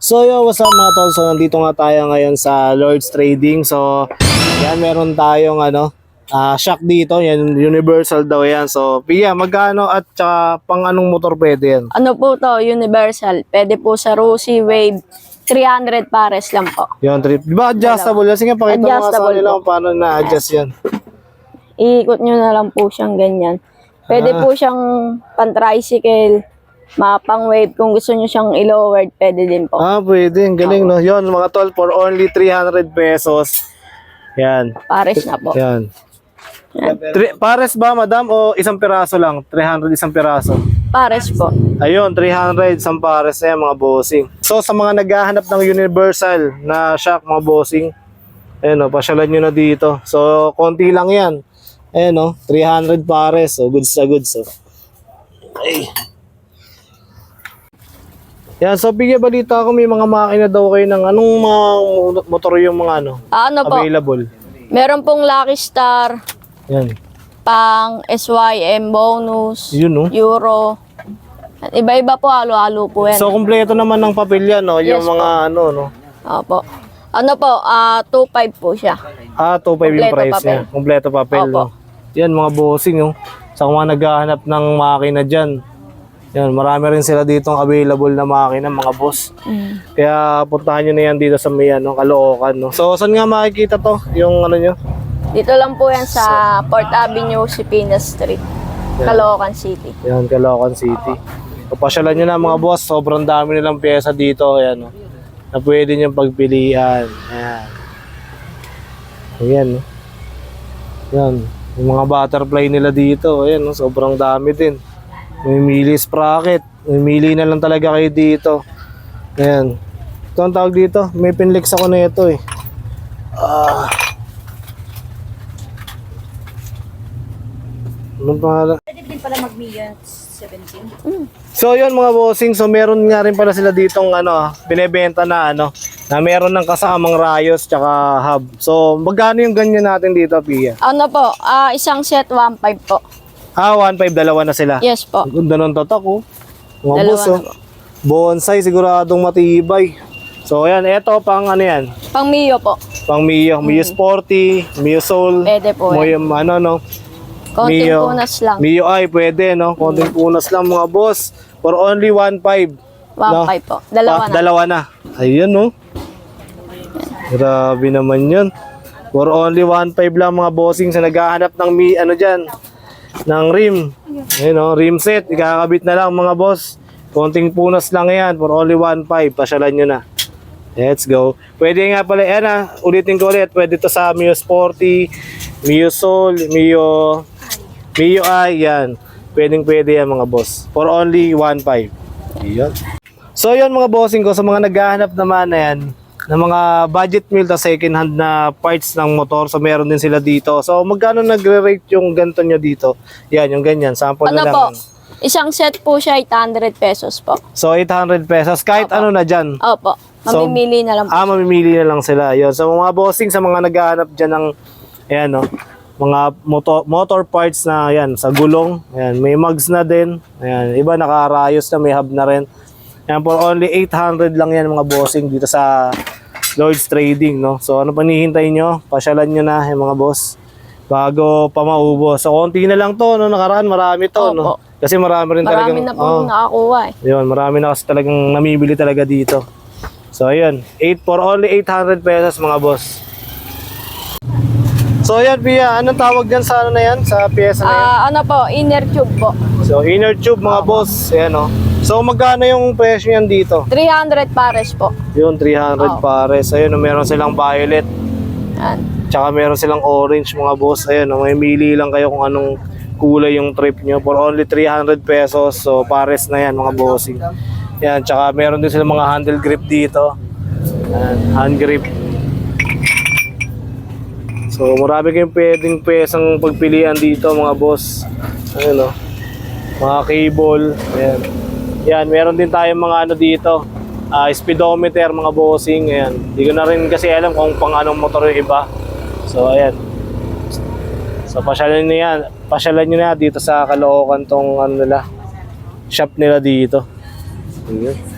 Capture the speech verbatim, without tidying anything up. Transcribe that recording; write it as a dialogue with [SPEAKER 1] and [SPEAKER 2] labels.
[SPEAKER 1] So yo, what's up mga tol? So nandito nga tayo ngayon sa Lord's Trading. So yan, meron tayong ano, uh, shock dito. Yan, universal daw yan. So Pia, magkano at saka pang anong motor pwede yan?
[SPEAKER 2] Ano po to, universal. Pwede po sa Rusi Wave. three hundred pares lang po.
[SPEAKER 1] Yung trip. Di ba adjustable yan? Sige, pakita mo nga sa
[SPEAKER 2] Adjustable
[SPEAKER 1] kanila
[SPEAKER 2] po.
[SPEAKER 1] kung paano na-adjust yan.
[SPEAKER 2] Iikot nyo na lang po siyang ganyan. Pwede
[SPEAKER 1] Ah.
[SPEAKER 2] po siyang pan-tricycle, mapang wave. Kung gusto nyo siyang i-lowered, pwede din po.
[SPEAKER 1] Ah, pwede. Ang galing, no? Yun, mga tol, for only three hundred pesos. Yan.
[SPEAKER 2] Pares na po.
[SPEAKER 1] Yan.
[SPEAKER 2] Yan.
[SPEAKER 1] Tri- pares ba, madam? O isang piraso lang? three hundred isang piraso?
[SPEAKER 2] Pares po.
[SPEAKER 1] Ayun, three hundred isang pares na yan, mga bossing. So, sa mga naghahanap ng universal na shock, mga bossing, ayun o, pasyalan nyo na dito. So, konti lang yan. Ayun o, three hundred pares. So, goods na goods. So. Ay. Yan, so bigyan balita ko may mga makina daw kayo ng anong mga motor yung mga ano,
[SPEAKER 2] Ah, ano po,
[SPEAKER 1] available.
[SPEAKER 2] meron pong Lucky Star,
[SPEAKER 1] Yan.
[SPEAKER 2] pang S Y M bonus,
[SPEAKER 1] Yun no.
[SPEAKER 2] Euro. At iba-iba po, halo-halo po yan.
[SPEAKER 1] So, kumpleto naman ng papel yan, no? Yung
[SPEAKER 2] Yes,
[SPEAKER 1] mga ano, no?
[SPEAKER 2] Opo. Ano po, ah two five po siya.
[SPEAKER 1] Ah, two point five yung
[SPEAKER 2] Kompleto
[SPEAKER 1] price
[SPEAKER 2] papel.
[SPEAKER 1] niya. Kompleto papel,
[SPEAKER 2] Opo.
[SPEAKER 1] no? Yan, mga bossing, no? Sa mga naghahanap ng makina dyan. Yan, marami rin sila ditong available na makina, mga boss.
[SPEAKER 2] Mm.
[SPEAKER 1] Kaya puntahan nyo na yan dito sa may, ano, Caloocan, no? So, saan nga makikita to? Yung ano nyo?
[SPEAKER 2] Dito lang po yan sa Port Avenue, Sipinas Street, Caloocan City.
[SPEAKER 1] Yan, Caloocan City. Papasyalan nyo na, mga boss. Sobrang dami nilang pyesa dito. Ayan, no? Na pwede nyo pagpilian. Ayan. Ayan, no? Yan. Yung mga butterfly nila dito. Ayan, no? Sobrang dami din. May mili sprocket. May mili na lang talaga kayo dito. Ayan. Ito ang tawag dito. May pinlex ako na ito eh. Ah. Anong pangalan?
[SPEAKER 3] Pwede din pala mag-million seventeen.
[SPEAKER 1] So yun mga bossing, so meron nga rin pala sila ditong ano, binebenta na ano, na meron ng kasamang rayos tsaka hub. So magkano yung ganyan natin dito, Pia?
[SPEAKER 2] Ano po, ah isang set one five po.
[SPEAKER 1] Ah, one five, dalawa na sila.
[SPEAKER 2] Yes po.
[SPEAKER 1] Ang ganda ng tatak, oh. Mga
[SPEAKER 2] Dalawa
[SPEAKER 1] boss,
[SPEAKER 2] na
[SPEAKER 1] oh. Bonsai, siguradong matibay. So ayan, eto pang ano yan,
[SPEAKER 2] Pang Mio po.
[SPEAKER 1] pang Mio, Mio Sporty, Mio Soul,
[SPEAKER 2] Pwede po
[SPEAKER 1] Mo
[SPEAKER 2] yan.
[SPEAKER 1] yung ano, no?
[SPEAKER 2] Konting
[SPEAKER 1] Mio.
[SPEAKER 2] punas lang.
[SPEAKER 1] Mio ay pwede, no? Konting punas lang mga boss. For only one five.
[SPEAKER 2] one five po. Dalawa
[SPEAKER 1] Ah,
[SPEAKER 2] na.
[SPEAKER 1] Dalawa na. Ayun, no? Grabe naman yun. For only one five lang mga bossing sa naghahanap ng mi, ano dyan, ng rim. Ayun, no? Rim set. Ikakabit na lang mga boss. Konting punas lang yan. For only one five. Pasyalan nyo na. Let's go. Pwede nga pala, yan ah. Ulitin ko ulit. Pwede to sa Mio Sporty, Mio Soul, Mio, Mio I, yan. Pwedeng pwede yan mga boss. For only one five. Ayun. So yun mga bossing ko, sa mga naghahanap naman na yan, ng mga budget meal ta second hand na parts ng motor, so meron din sila dito. So magkano nagre-rate yung ganito nyo dito? Yan, yung ganyan, sample
[SPEAKER 2] Ano
[SPEAKER 1] na lang.
[SPEAKER 2] po, isang set po siya eight hundred pesos po.
[SPEAKER 1] So eight hundred pesos, kahit
[SPEAKER 2] Opo.
[SPEAKER 1] ano na dyan.
[SPEAKER 2] Opo,
[SPEAKER 1] So,
[SPEAKER 2] mamimili na lang po.
[SPEAKER 1] Ah, mamimili na lang sila. Yun. So mga bossing, sa mga naghahanap dyan ng, ayan no, mga motor, motor parts na yan, sa gulong. Ayan, may mugs na din. Ayan, iba nakarayos na, may hub na rin. Ayan, for only eight hundred lang yan mga bossing dito sa Lord's Trading, no? So ano pa nihintay nyo? Pasyalan nyo na yung mga boss bago pa maubos. So konti na lang to, no? Nakaraan marami to, no?
[SPEAKER 2] Opo.
[SPEAKER 1] Kasi marami rin talagang,
[SPEAKER 2] Marami na po
[SPEAKER 1] oh,
[SPEAKER 2] nakakuha eh.
[SPEAKER 1] yun, marami na kasi talagang namibili talaga dito. So ayun, eight for only eight hundred pesos mga boss. So ayan, Pia, anong tawag dyan sa ano na yan? Sa pyesa na yan?
[SPEAKER 2] Ah, ano po, inner tube po.
[SPEAKER 1] So inner tube mga boss, ayan o. So magkano yung presyo yan dito?
[SPEAKER 2] three hundred pares po.
[SPEAKER 1] Yun, three hundred
[SPEAKER 2] Oh.
[SPEAKER 1] pares. Ayun, meron silang violet.
[SPEAKER 2] Yan.
[SPEAKER 1] Tsaka meron silang orange mga boss. Ayun, o, may mili lang kayo kung anong kulay yung trip nyo. For only three hundred pesos. So pares na yan mga bossing. Yan, tsaka meron din silang mga handle grip dito. Yan, hand grip. So marami kayong pwedeng pesang pagpilian dito mga boss. Ayun o. Mga cable. Ayan. Yan, meron din tayong mga ano dito. Uh, speedometer mga bossing. Ayan. Hindi ko na rin kasi alam kung pang anong motor yung iba. So ayan. So pasyalan nyo yan. Pasyalan nyo na dito sa Caloocan tong ano nila, shop nila dito. Ayan.